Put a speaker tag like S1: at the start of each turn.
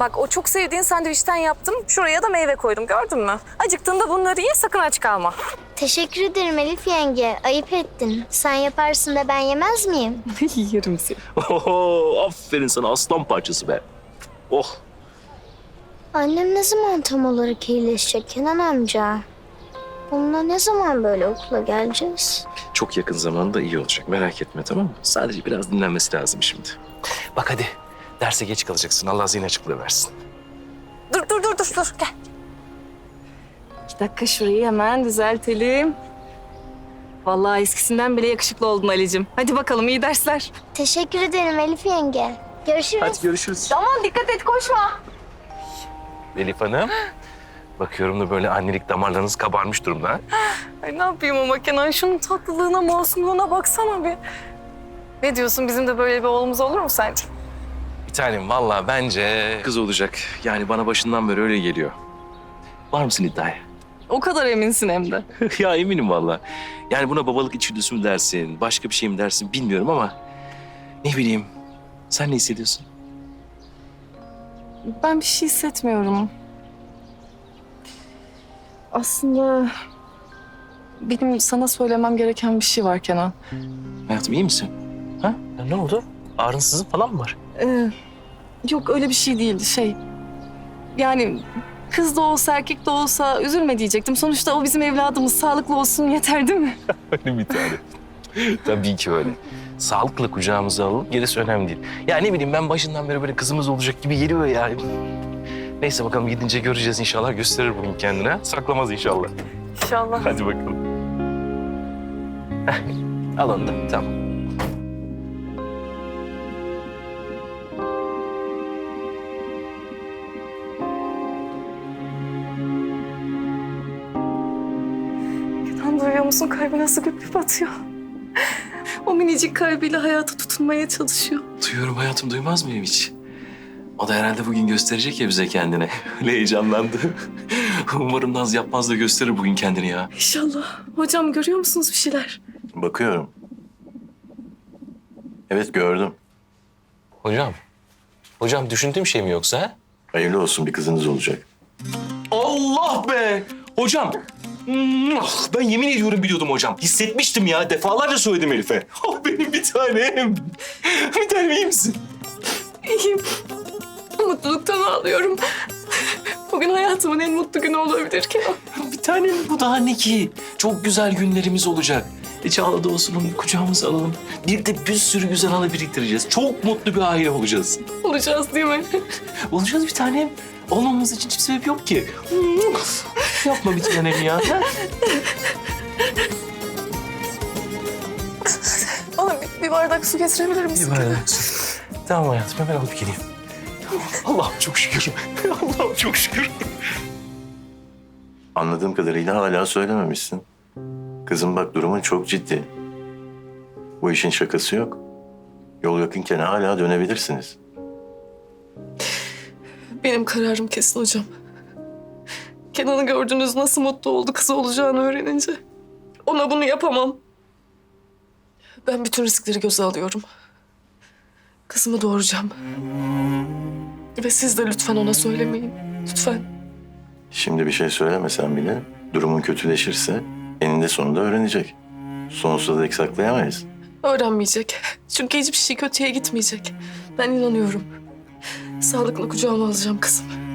S1: Bak o çok sevdiğin sandviçten yaptım. Şuraya da meyve koydum, gördün mü? Acıktığında bunları ye, sakın aç kalma.
S2: Teşekkür ederim Elif yenge. Ayıp ettin. Sen yaparsın da ben yemez miyim?
S1: Yerim seni.
S3: Oho, aferin sana aslan parçası be. Oh.
S2: Annem ne zaman tam olarak iyileşecek Kenan amca? Onunla ne zaman böyle okula geleceğiz?
S3: Çok yakın zamanda iyi olacak. Merak etme, tamam mı? Sadece biraz dinlenmesi lazım şimdi. Bak hadi. Derse geç kalacaksın. Allah zihin açıklığı versin.
S1: Dur. Gel. 2 dakika şurayı hemen düzeltelim. Vallahi eskisinden bile yakışıklı oldun Ali'cim. Hadi bakalım, iyi dersler.
S2: Teşekkür ederim Elif yenge. Görüşürüz.
S3: Hadi görüşürüz.
S1: Tamam, dikkat et, koşma.
S3: Elif Hanım. Bakıyorum da böyle annelik damarlarınız kabarmış durumda. Ha?
S1: Ay ne yapayım ama Kenan, şunun tatlılığına, masumluğuna baksana bir. Ne diyorsun, bizim de böyle bir oğlumuz olur mu sence?
S3: Bir tanem vallahi bence kız olacak. Yani bana başından beri öyle geliyor. Var mısın iddiaya?
S1: O kadar eminsin hem de.
S3: Ya eminim vallahi. Yani buna babalık içgüdüsü mü dersin, başka bir şey mi dersin bilmiyorum ama... Ne bileyim, sen ne hissediyorsun?
S1: Ben bir şey hissetmiyorum. Aslında benim sana söylemem gereken bir şey var Kenan.
S3: Hayatım iyi misin? Ha? Ya ne oldu? Ağrınsızlık falan mı var?
S1: Yok öyle bir şey değildi Yani kız da olsa erkek de olsa üzülme diyecektim. Sonuçta o bizim evladımız, sağlıklı olsun yeter değil mi?
S3: Öyle bir tane. Tabii ki öyle. Sağlıkla kucağımıza alalım, gerisi önemli değil. Ya ne bileyim ben başından beri böyle kızımız olacak gibi geliyor ya. Neyse bakalım gidince göreceğiz inşallah. Gösterir bugün kendine. Saklamaz inşallah.
S1: İnşallah.
S3: Hadi bakalım. Heh, al onu da. Tamam.
S1: Kenan, duyuyor musun? Kalbi nasıl güp atıyor. O minicik kalbiyle hayata tutunmaya çalışıyor.
S3: Duyuyorum hayatım, duymaz mıyım hiç? O da herhalde bugün gösterecek ya bize kendine. Öyle heyecanlandı. Umarım naz yapmaz da gösterir bugün kendini ya.
S1: İnşallah. Hocam görüyor musunuz bir şeyler?
S4: Bakıyorum. Evet gördüm.
S3: Hocam düşündüğüm şey mi yoksa ha?
S4: Hayırlı olsun, bir kızınız olacak.
S3: Allah be! Hocam! Ben yemin ediyorum biliyordum hocam. Hissetmiştim ya. Defalarca söyledim Elif'e. Oh benim bir tanem. Bir tanem iyi misin?
S1: İyiyim. Mutluluktan ağlıyorum. Bugün hayatımın en mutlu günü olabilir Kenan.
S3: Bir tanem bu daha ne ki? Çok güzel günlerimiz olacak. Çağla da olsun onu kucağımıza alalım. Bir de bir sürü güzel anı biriktireceğiz. Çok mutlu bir aile olacağız.
S1: Olacağız değil mi?
S3: Olacağız bir tanem. Olmamamız için hiçbir sebep yok ki. Yapma bir tanem ya.
S1: Bana bir bardak su getirebilir misin?
S3: Tamam hayatım, hemen alıp geleyim. Allah'ım çok şükür. Allah'ım çok şükür.
S4: Anladığım kadarıyla hala söylememişsin. Kızım bak, durumun çok ciddi. Bu işin şakası yok. Yol yakınken hala dönebilirsiniz.
S1: Benim kararım kesin hocam. Kenan'ı gördünüz, nasıl mutlu oldu kızı olacağını öğrenince. Ona bunu yapamam. Ben bütün riskleri göze alıyorum. Kızımı doğuracağım. Ve siz de lütfen ona söylemeyin. Lütfen.
S4: Şimdi bir şey söylemesen bile durumun kötüleşirse eninde sonunda öğrenecek. Sonsuza dek saklayamayız.
S1: Öğrenmeyecek. Çünkü hiçbir şey kötüye gitmeyecek. Ben inanıyorum. Sağlıklı kucağıma alacağım kızımı.